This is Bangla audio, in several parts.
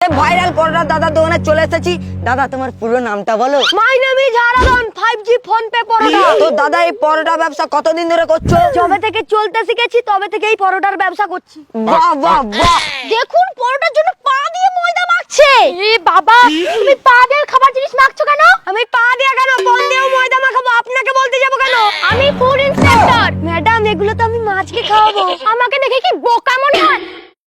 ভাইরাল পরোটা দাদার দোকানে চলে এসেছি। দাদা তোমার পুরো নামটা বলো। My name is Haradhan, 5G PhonePe paratha. তো দাদা এই পরোটা ব্যবসা কতদিন ধরে করছো? যবে থেকে চলতে শিখেছি তবে থেকে এই পরোটার ব্যবসা করছি। বাহ বাহ বাহ। দেখুন পরোটার জন্য পা দিয়ে ময়দা মাখছে। এ বাবা, তুমি পা দিয়ে খাবার জিনিস মাখছো কেন? আমি পা দিয়ে কেন, কোন দিয়েও ময়দা মাখাবো, আপনাকে বলতে যাবো কেন? আমি ফুড ইন্সপেক্টর। ম্যাডাম এগুলো তো আমি মাছকে খাওয়াবো। আমাকে দেখে কি বোকা মনে হয়?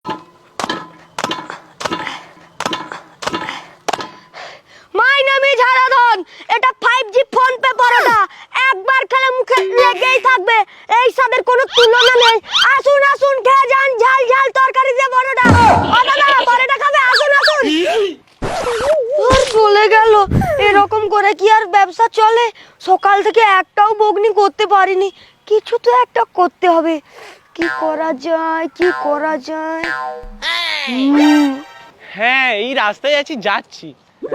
মাই নেম ইজ হারাধন, এটা 5G ফোন পে পরোটা। একবার খেলে মুখে লেগেই থাকবে, এই স্বাদের কোনো তুলনা নেই। আসুন আসুন খেয়ে যান ঝাল ঝাল তরকারি দিয়ে পরোটা। ও দাদা পরোটা খাবে? আসুন আসুন। আর চলে গেল। এরকম করে কি আর ব্যবসা চলে? সকাল থেকে একটাও বগনি করতে পারিনি। কিছু তো একটা করতে হবে। কি করা যায়, কি করা যায়? হ্যাঁ এই রাস্তায় যাচ্ছি।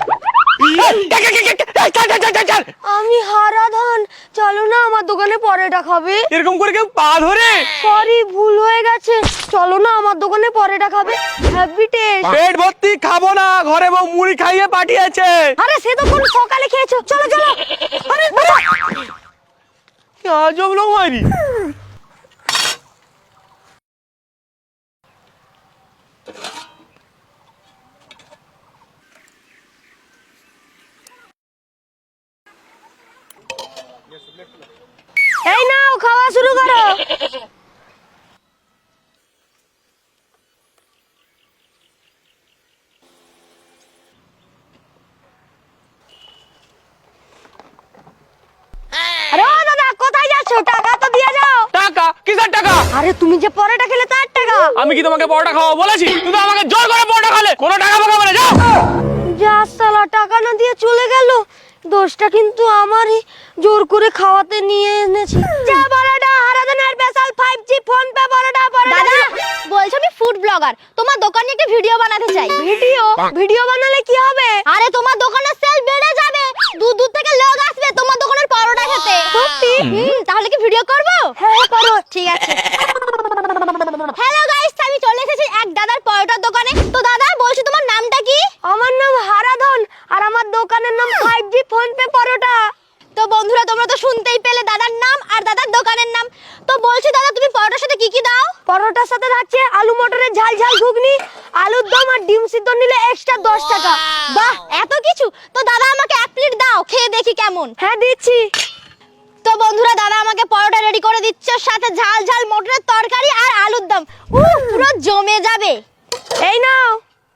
আমি হারাধন, চলো না আমার দোকানে পরোটা খাবে। এরকম করে কেউ পা ধরে? সরি ভুল হয়ে গেছে, চলো না আমার দোকানে পরোটা খাবে। Happy taste. পেট ভর্তি খাবো না, ঘরে বউ মুড়ি খাইয়ে পাঠিয়েছে। আরে সে তো কোন সকালে খেয়েছো, চলো চলো। আরে দাদা, কি আজব লোক মারি। এই নাও খাওয়া শুরু করো। আরে ও দাদা কোথায় যাচ্ছো? টাকা তো দিয়ে যাও। টাকা? কিসের টাকা? আরে তুমি যে পরোটা খেলে তার টাকা। আমি কি তোমাকে পরোটা খাওয়া বলেছি? তুমি তো আমাকে জোর করে পরোটা খালে। কোনো টাকা ফাকা বলে যাও। যা সালা, টাকা না দিয়ে চলে গেল। দোষটা কিন্তু আমারই, জোর করে খাওয়াতে নিয়ে এনেছি। যা পরোটা হারাধনের special 5G PhonePe paratha. দাদা বলছো আমি ফুড ব্লগার, তোমার দোকানে একটা ভিডিও বানাতে চাই। ভিডিও বানালে কি হবে? আরে তোমার দোকানের সেল বেড়ে যাবে, দূর দূর থেকে লোক আসবে তোমার দোকানের পরোটা খেতে। সত্যি? তাহলে কি ভিডিও করব? হ্যাঁ করো। ঠিক আছে। হ্যালো গাইস, আমি চলে এসেছি এক দাদার পরোটার দোকানে। তো দাদা বলছি তোমার নামটা কি? আমার নাম হারাধন আর আমার দোকানের নাম 5G ফোন পে পরোটা। তো বন্ধুরা তোমরা তো শুনতেই পেলে দাদার নাম আর দাদার দোকানের নাম। তো বলছি দাদা তুমি পরোটার সাথে কি কি দাও? পরোটার সাথে থাকছে আলু মটরের ঝাল ঝাল ঘুগনি, আলুর দম আর ডিম সিদ্ধ নিলে এক্সট্রা 10 টাকা। বাহ এত কিছু! তো দাদা আমাকে এক প্লেট দাও, খেয়ে দেখি কেমন। হ্যাঁ দিচ্ছি। তো বন্ধুরা দাদা আমাকে পরোটা রেডি করে দিচ্ছে, সাথে ঝাল ঝাল মটরের তরকারি আর আলুর দম। পুরো জমে যাবে। এই নাও।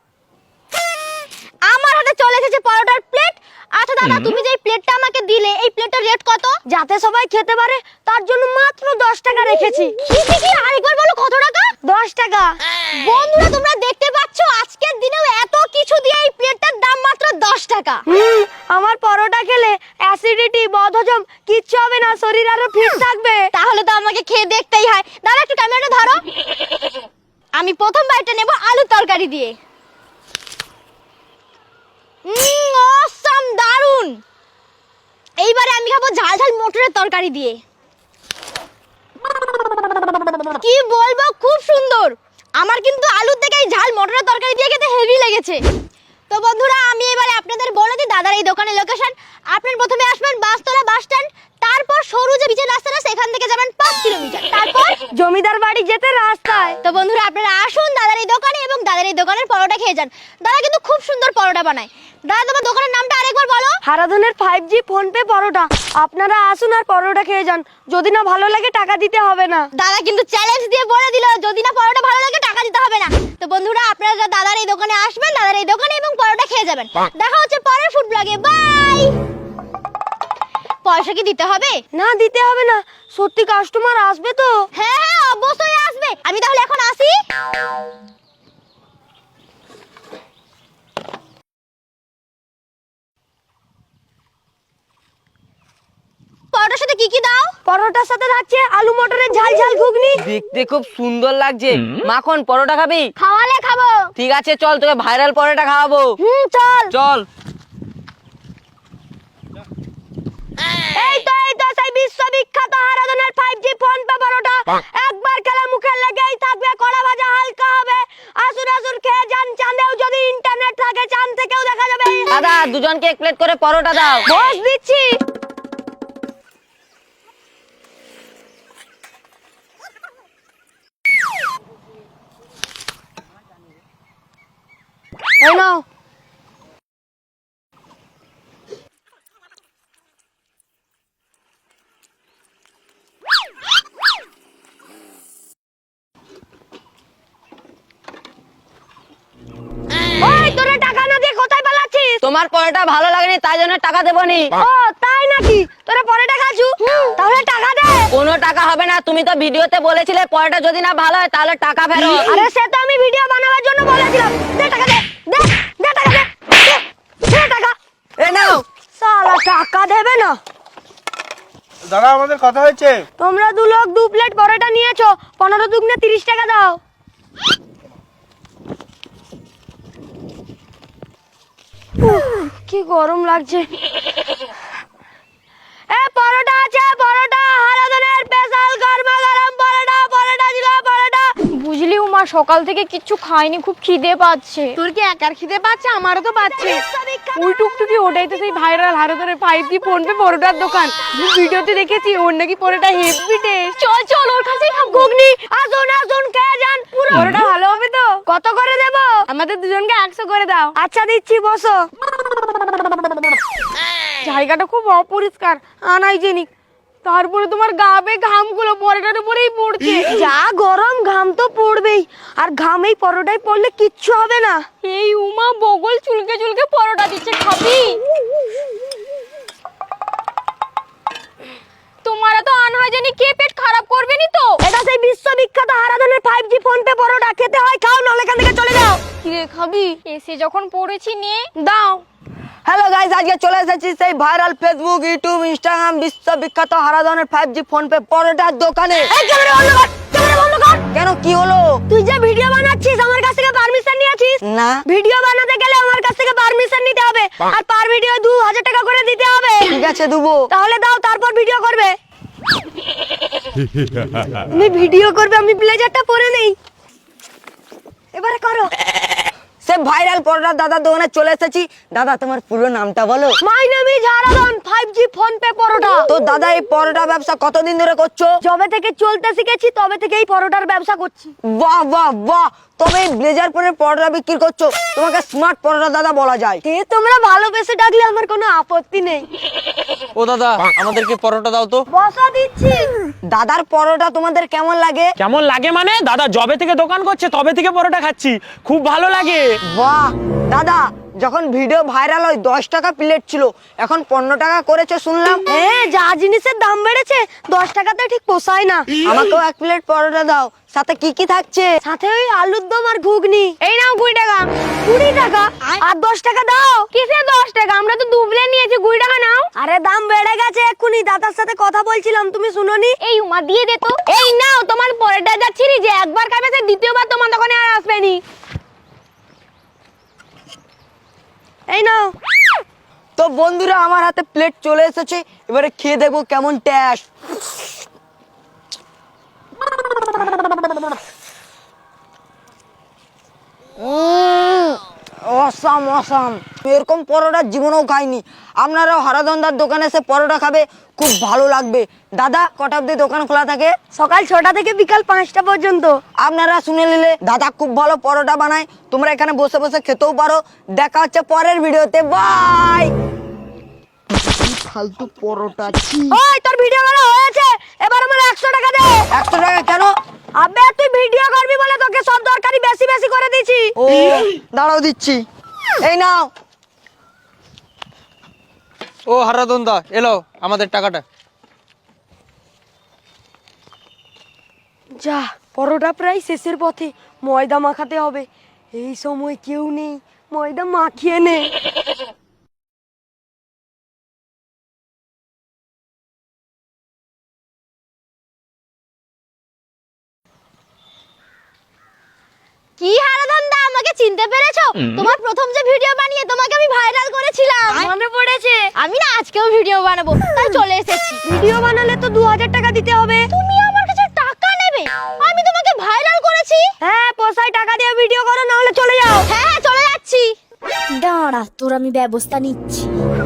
আমার হাতে চলে এসেছে পরোটার প্লেট। আচ্ছা দাদা তুমি যে এই প্লেটটা আমাকে দিলে, এই প্লেটের রেট কত? যাতে সবাই খেতে পারে তার জন্য মাত্র 10 টাকা রেখেছি। কি আরেকবার বলো কত টাকা? 10 টাকা। বন্ধুরা তোমরা দেখতে পাচ্ছ আজকের দিনেও এত কিছু দিয়ে এই প্লেটটার দাম মাত্র 10 টাকা। আমার পরোটা খেলে অ্যাসিডিটি, বদহজম কিচ্ছু হবে না, শরীর আরো ফিট থাকবে। তাহলে তো আমাকে খেয়ে দেখতেই হয়। দাদা একটু ক্যামেরাটা ধরো। আমি প্রথম বাইটটা নেব আলু তরকারি দিয়ে। অসাম, দারুন। এইবারে আমি খাবো ঝাল ঝাল মটরের তরকারি দিয়ে। কি বলবো, খুব সুন্দর। আমার কিন্তু আলুর থেকে এই ঝাল মটরের তরকারি দিয়ে খেতে হেভি লেগেছে। তো বন্ধুরা আমি এবারে আপনাদের বলে দিই দাদার এই দোকানের লোকেশন। আপনারা প্রথমে আসবেন বাসতলা বাস স্ট্যান্ড, তারপর সরু যে বিচের রাস্তাটা সেখান থেকে যাবেন 5 কিলোমিটার, তারপর জমিদার বাড়ি যেতে রাস্তায়। তো বন্ধুরা আপনারা আসুন দাদার এই দোকানে এবং দাদার এই দোকানের পরোটা খেয়ে যান। দাদা কিন্তু খুব সুন্দর পরোটা বানায়। দাদা তোমার দোকানের নামটা আরেকবার বলো। হারাধনের 5G ফোন পে পরোটা। আপনারা আসুন আর পরোটা খেয়ে যান, যদি না ভালো লাগে টাকা দিতে হবে না। দাদা কিন্তু চ্যালেঞ্জ দিয়ে বলে দিল যদি না পরোটা ভালো লাগে টাকা দিতে হবে না। তো বন্ধুরা আপনারা দাদার এই দোকানে আসবেন, দাদার এই দোকানে এবং পরোটা খেয়ে যাবেন। দেখা হচ্ছে পরের ফুড ব্লগে, বাই। পয়সা কি দিতে হবে? না দিতে হবে না, সত্যি কাস্টমার আসবে তো? হ্যাঁ হ্যাঁ অবশ্যই আসবে। আমি তাহলে এখন আসি। পরোটার সাথে কি কি দাও? পরোটার সাথে থাকছে আলু মটরের ঝাল ঝাল ঘুগনি। দেখতে খুব সুন্দর লাগছে। মাখন পরোটা খাবি? খাওয়ালে খাবো। ঠিক আছে চল, তোকে ভাইরাল পরোটা খাওয়াবো। চল চল। এই তো সেই বিশ্ববিখ্যাত হারাধনের 5G ফোন পে পরোটা। একবার খেলে মুখে লেগেই থাকবে, কড়া ভাজা হালকা হবে। আসুন আসুন খেয়ে যান। চাঁদেও যদি ইন্টারনেট দাদা দুজনকে এক প্লেট করে পরোটা দাও। বস দিচ্ছি। এই নাও। ওই তোরা টাকা না দিয়ে কোথায় পালাচ্ছিস? তোমার পরোটা ভালো লাগেনি তাই জন্য টাকা দেবো নি। ও তাই নাকি? তোরা পরোটা খাচ্ছু? তাহলে টাকা দে। কোনো টাকা হবে না, তুমি তো ভিডিওতে বলেছিলে পরোটা যদি না ভালো হয় তাহলে টাকা ফেরত। আরে সে তো আমি ভিডিও বানাবার জন্য বলেছিলাম। দে টাকা দে। দে দে টাকা দে। দে টাকা। এই নাও। শালা টাকা দেবে না। দাদা আমাদের কথা হয়েছে। তোমরা দু লোক 2 প্লেট পরোটা নিয়েছো, 15 দুগুনে 30 টাকা দাও। কি গরম লাগছে। এ পরোটা আছে, পরোটা হারাধনের স্পেশাল গরমা গরম পরোটা, পরোটা ছিল পরোটা। বুঝলি উমা, সকাল থেকে কিচ্ছু খাইনি, খুব খিদে পাচ্ছে। তোর কি একার খিদে পাচ্ছে? আমারও তো পাচ্ছে। ওই টুকটুকি ওটাই তো সেই ভাইরাল হারোদরে 5G ফোন পে পরোটার দোকান। আমি ভিডিওতে দেখেছি ওর নাকি পরোটা হেভি টেস্ট। চল চল ওর কাছেই খাবো। ঘুগনি আসুন আসুন খেয়ে যান। পুরো পরোটা ভালো হবে তো? কত করে দেবো? আমাদের দুজনকে 100 করে দাও। আচ্ছা দিচ্ছি, বসো। জায়গাটা খুব অপরিষ্কার, আনহাইজেনিক। তারপরে তোমার গা বেয়ে ঘামগুলো পরোটার উপরেই পড়ছে। যা গরম, ঘাম তো পড়বেই। আর ঘাম এই পরোটায় পড়লে কিচ্ছু হবে না। এই উমা বগল চুলকে চুলকে পরোটা দিচ্ছে, খাবি? তোমার তো আনহাইজেনিক, কে পেট খারাপ করবে নি তো? এটা সেই বিশ্ববিখ্যাত হারাধনের 5G ফোন পে পরোটা। খেতে হয় খাও, নাহলে এখান থেকে চলে যাও। কি রে খাবি? এসে যখন পড়েছি নে দাও। হ্যালো গাইস, আজকে চলে এসেছি সেই ভাইরাল ফেসবুক, ইউটিউব, ইনস্টাগ্রাম বিশ্ববিখ্যাত হারাধনের 5G ফোন পে পরোটার দোকানে। এই ক্যামেরা বন্ধ কর, ক্যামেরা বন্ধ কর। কেন, কি হলো? তুই যে ভিডিও বানাচ্ছিস আমার কাছ থেকে পারমিশন নিয়েছিস? না। ভিডিও বানাতে গেলে আমার কাছ থেকে পারমিশন নিতে হবে, আর পার ভিডিও 2000 টাকা করে দিতে হবে। ঠিক আছে দেবো। তাহলে দাও, তারপর ভিডিও করবে। তুমি ভিডিও করবে, আমি ব্লেজারটা পরে নেই। এবারে করো। সে ভাইরাল পরোটার দাদার দোকানে চলে এসেছি। দাদা তোমার পুরো নামটা বলো। My name is Haradhan, 5G PhonePe paratha. তো দাদা এই পরোটা ব্যবসা কতদিন ধরে করছো? যবে থেকে চলতে শিখেছি তবে থেকে এই পরোটার ব্যবসা করছি। বাহ বাহ বাহ, তবে এই ব্লেজার পরে পরোটা বিক্রি করছো, তোমাকে স্মার্ট পরোটা দাদা বলা যায়। তে তোমরা ভালোবেসে ডাকলে আমার কোনো আপত্তি নেই। ও দাদা আমাদেরকে পরোটা দাও তো। বসা দিচ্ছি। দাদার পরোটা তোমাদের কেমন লাগে? কেমন লাগে মানে, দাদা জবে থেকে দোকান করছে তবে থেকে পরোটা খাচ্ছি, খুব ভালো লাগে। বাহ দাদা, যখন ভিডিও ভাইরাল হয় 10 টাকা প্লেট ছিল, এখন 15 টাকা করেছে শুনলাম। হ্যাঁ, যা জিনিসের দাম বেড়েছে 10 টাকাতে ঠিক পোষায় না। আমাকেও 1 প্লেট পরোটা দাও। সাথে কি কি থাকছে? সাথে ওই আলুর দম আর ঘুগনি। এই নাও 20 টাকা। 20 টাকা আর 10 টাকা দাও। কিসে 10 টাকা? আমরা তো 2 প্লেট নিয়েছি, 20 টাকা নাও। আরে দাম বেড়ে গেছে, এক্ষুনি দাদার সাথে কথা বলছিলাম, তুমি শুনোনি? এই উমা দিয়ে দে তো। এই নাও তোমার পরোটা, যাচ্ছি যে একবার খাবে সে দ্বিতীয়বার তোমার দোকানে আর আসবে নি। এই নাও। তো বন্ধুরা আমার হাতে প্লেট চলে এসেছে, এবারে খেয়ে দেখবো কেমন টেস্ট। অসাম অসাম, এরকম পরোটা জীবনেও খাইনি। আপনারাও হারাধনদার দোকানে এসে পরোটা খাবে, খুব ভালো লাগবে। দাদা কটা অবধি দোকান খোলা থাকে? সকাল 6টা থেকে বিকাল 5টা পর্যন্ত। আপনারা শুনে নিলে, দাদা খুব ভালো পরোটা বানায়, তোমরা এখানে বসে বসে খেতেও পারো। দেখা হচ্ছে পরের ভিডিওতে, বাই। ফালতু পরোটা। ওই তোর ভিডিও করা হয়েছে, এবার আমার 100 টাকা দে। 100 টাকা কেন? আবে তুই ভিডিও করবি বলে তোকে সব দরকারি বেশি বেশি করে দিছি। ও দাঁড়াও দিচ্ছি, এই নাও। ও হারাধন দা, এলো আমাদের টাকাটা। যা, পরোটা প্রায় শেষের পথে, ময়দা মাখাতে হবে। এই সময় কেউ নেই, ময়দা মাখিয়ে নে। কি হারাধন দা, আমাকে চিনতে পেরেছো? তোমার প্রথম যে ভিডিও বানিয়ে তোমাকে আমি ভাইরাল করেছিলাম, মনে পড়েছে? আমি না আজকেও ভিডিও বানাবো, তাই চলে এসেছি। ভিডিও বানালে তো 2000 টাকা দিতে হবে। তুমি আমার কাছে টাকা নেবে? আমি তোমাকে ভাইরাল করেছি। হ্যাঁ, পোষায় টাকা দিয়ে ভিডিও করো, নাহলে চলে যাও। হ্যাঁ চলে যাচ্ছি। দাঁড়া, তোর আমি ব্যবস্থা নিচ্ছি।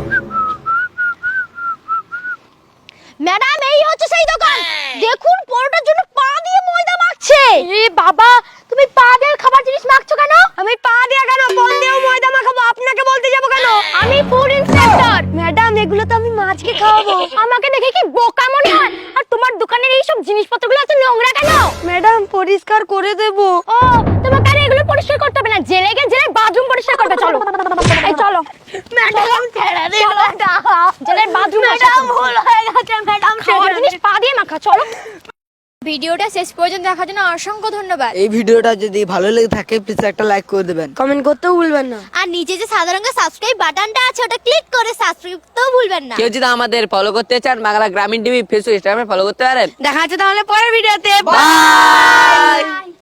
ম্যাডাম, এই হচ্ছে সেই দোকান। দেখুন, পরোটার জন্য পা দিয়ে ময়দা মাখছে। এ বাবা, তুমি পা দিয়ে খাবার জিনিস মাখছো কেন? আমি পা দিয়ে কেন, বল দিয়েও ময়দা মাখাবো, আপনাকে বলতে যাবো কেন? আমি ফুড ইন্সপেক্টর। ম্যাডাম, এগুলো তো আমি মাছকে খাওয়াবো। আমাকে দেখে কি বোকা মনে হয়? আর তোমার দোকানের এই সব জিনিসপত্রগুলো এত নোংরা কেন? ম্যাডাম, পরিষ্কার করে দেবো। ও, তোমাকে আর এগুলো পরিষ্কার করতে হবে না, জেলে গিয়ে জেলে বাথরুম পরিষ্কার করবে। চলো, এই চলো। ম্যাডাম, ছেড়ে দিন। জেলের বাথরুম। ম্যাডাম, ভুল হয়ে গেছে ম্যাডাম, খাওয়ার জিনিস পা দিয়ে মাখা। চলো। ভিডিওটা শেষ পর্যন্ত দেখার জন্য অসংখ্য ধন্যবাদ। এই ভিডিওটা যদি ভালো লেগে থাকে প্লিজ একটা লাইক করে দেবেন। কমেন্ট করতেও ভুলবেন না। আর নিচে যে সাদা রঙের সাবস্ক্রাইব বাটনটা আছে, ওটা ক্লিক করে সাবস্ক্রাইব করতেও ভুলবেন না। কেউ যদি আমাদের ফলো করতে চান বাংলা গ্রামীণ টিভি ফেসবুক ইনস্টাগ্রামে ফলো করতে পারেন। দেখা হচ্ছে তাহলে পরের ভিডিওতে। বাই।